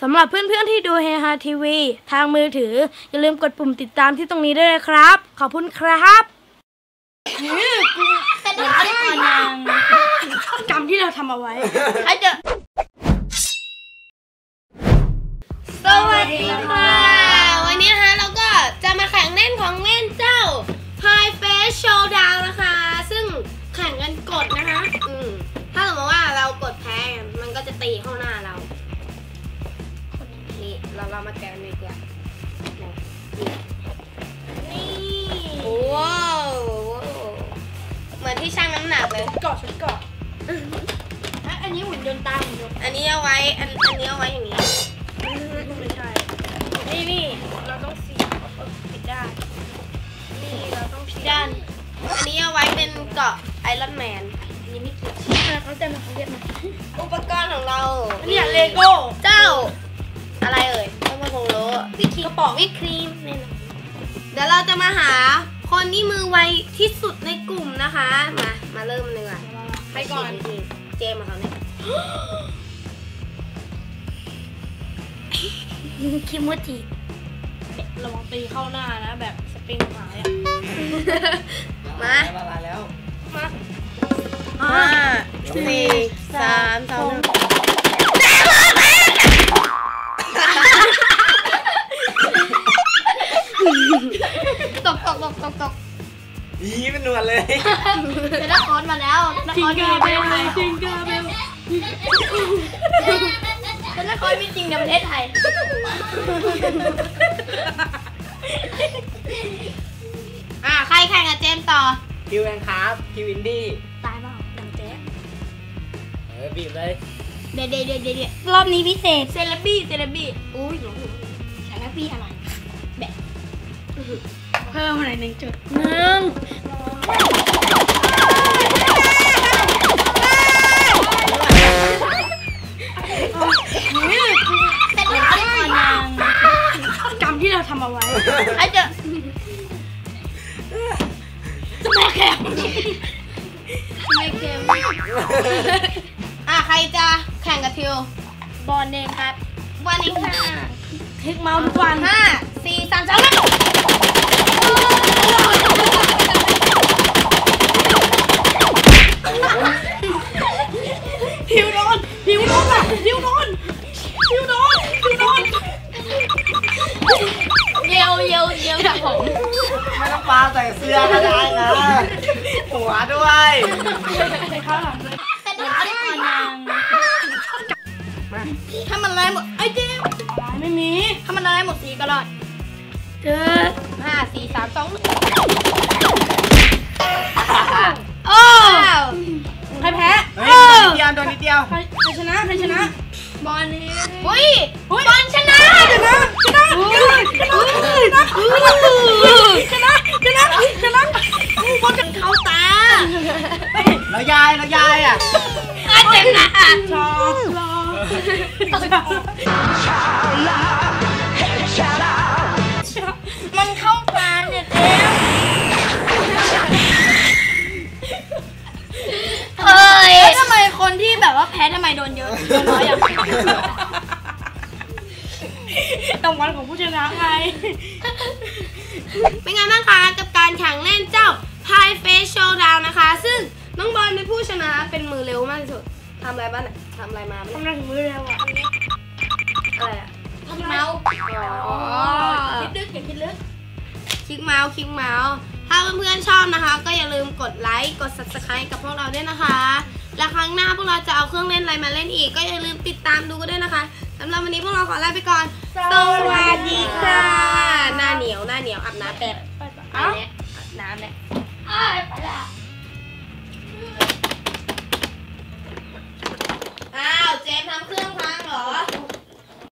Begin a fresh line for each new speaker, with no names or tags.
สำหรับเพื่อนๆที่ดูเฮฮาทีวีทางมือถืออย่าลืมกดปุ่มติดตามที่ตรงนี้ด้วยนะครับขอบคุณครับกรรมที่เราทำเอาไว้
สวัสดีค่ะวันนี้นะคะเราก็จะมาแข่งเล่นของเล่นเจ้า High Face Showdown นะคะซึ่งแข่งกันกดนะคะถ้าสมมติว่าเรากดแพ้มันก็จะตีเข้าหน้าเรานี่เรามาแกะกันดีกว่านี่ว้าวเหมือนที่ชั่งน้ำหนักเลย
ชุดเกาะอันนี้หุ่นยนต์ตาหุ่นยนต์
อันนี้เอาไว้อันนี้เอาไว้อย่างนี้
ไม่ใช่นี่เราต้องปิดได้นี่เราต้องปิดด้าน
อันนี้เอาไว้เป็นเกาะไอรอนแมน
อันนี้ไม่เกี่ยวเขาจะมาเขาเรียกมา
อุปกรณ์ของเรา
เนี่ยเลโก้
เจ้าอะไรเอ่ยต้องมาคงรู้
กระป๋องวิปครีมนี่นะ
เดี๋ยวเราจะมาหาคนที่มือไวที่สุดในกลุ่มนะคะมาเริ่มเลย
ไปก่อน
เจมมาเขาเนี่ย
คิโมจิระวังตีเข้าหน้านะแบบสปริงหายอ่ะ
มา
แล้ว
มา5 4 3 2 1ตก
นี่เป็นหนวดเลย
เป็นนักคอนมาแล้ว
จิงกาเบลจิงกาเบล
เป็นนักคอนมีจริงในประเทศไทยใครแข่งกับเจมต่อ
คิวแองครับคิวอินดี้
ตายเปล่าดังแจ๊
บีบเลย
เดี๋ยว
รอบนี้พิเศษเซเลบี้อุ้ยเซเลบี้อะไรแบบเพิ่มอะไร1.1กรรมที่เราทำเอาไว้จะไม่แข่ง
ใครจะแข่งกับทิว
บอลเองครับ
บอลเองค่ะ
คลิกเมาส์ทุกวัน
5 4 3 2 1
ทิวโดนอ่ะทิวโดน
เยี่ยวกับผม
ไม่ต้องปาใส่เสื้อก็ได้นะหัวด้วย
ข้าวหลังเลย
ถ้ามันลายหมดไอ้เจ๊
ไม่มี
ถ้ามันลายหมดสีก็รอด5 4 3 2 1โอ้
ใครแพ้
โดนนิดเดียว
ใครชนะบอลนี่
บอลชนะบอลกันเข้าตา
แล้วยายอ่ะ
เจ็บนะมันเข้าตาเนี่ยเจ๊ทำไมคนที่แบบว่าแพ้ทำไมโดนเยอะน้อยอย่าง
รางวัลของผู้ชนะไง
เป็นไงบ้างคะกับการแข่งเล่นเจ้า High Face Showdown นะคะซึ่งน้องบอลเป็นผู้ชนะเป็นมือเร็วมากที่สุดทำอะไรบ้างทำอะไรมา
ทำอะไรถึงมือเร็วอ่ะ
อะไรอ่ะคลิกเมาส์
คิดลึกอย่าคิดลึก
คลิกเมาส์ถ้าเพื่อนๆชอบนะคะก็อย่าลืมกดไลค์กด Subscribe กับพวกเราด้วยนะคะและครั้งหน้าพวกเราจะเอาเครื่องเล่นอะไรมาเล่นอีกก็อย่าลืมติดตามดูกันด้วยนะคะสำหรับวันนี้พวกเราขอลาไปก่อนสวัสดีค่ะหน้าเหนียวอาบน้ำแป๊บไปแล้วอาบน้ำแล้ว